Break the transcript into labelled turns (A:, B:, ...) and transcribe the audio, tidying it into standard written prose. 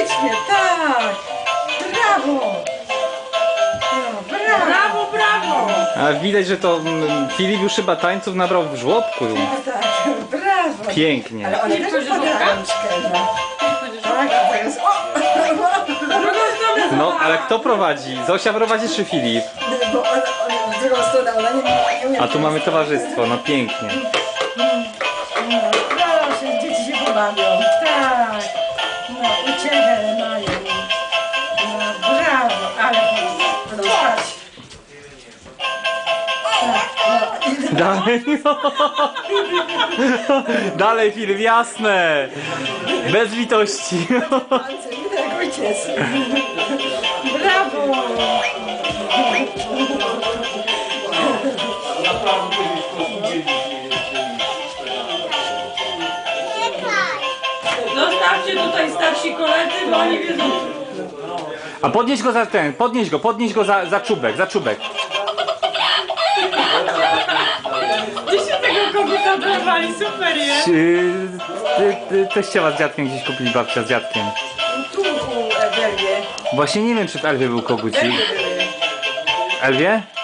A: uśmiech, tak. Brawo. No, brawo.
B: Brawo, brawo!
C: A widać, że to Filip już chyba tańców nabrał w żłobku.
A: No tak, brawo.
C: Pięknie.
A: Ale one
B: Nie
A: też
B: wchodzisz
A: podał
B: w
A: rączkę, no. Tak, to jest...
B: Drugą stronę
C: No, ale kto prowadzi? Zosia prowadzi czy Filip?
A: Bo on w drugą stronę, ona nie umie.
C: A tu mamy towarzystwo, no pięknie.
A: No, proszę, dzieci się pobawią. Tak. No, uciechę mają. No, brawo, ale będą spać. Tak, no. I
C: Dalej, dalej Filip, jasne. Bez litości.
A: palce, tak ojciec. Brawo.
B: Zostawcie tutaj starsi koledzy, bo oni wiedzą.
C: A podnieś go za ten, podnieś go za czubek, za czubek.
B: Gdzie się tego koguta dorwali? Super jest!
C: Teściowa z dziadkiem gdzieś kupili, babcia z dziadkiem.
A: Tu u Ewelie.
C: Właśnie nie wiem, czy w Elwie był kogucik.
A: Elwie były.
C: Elwie?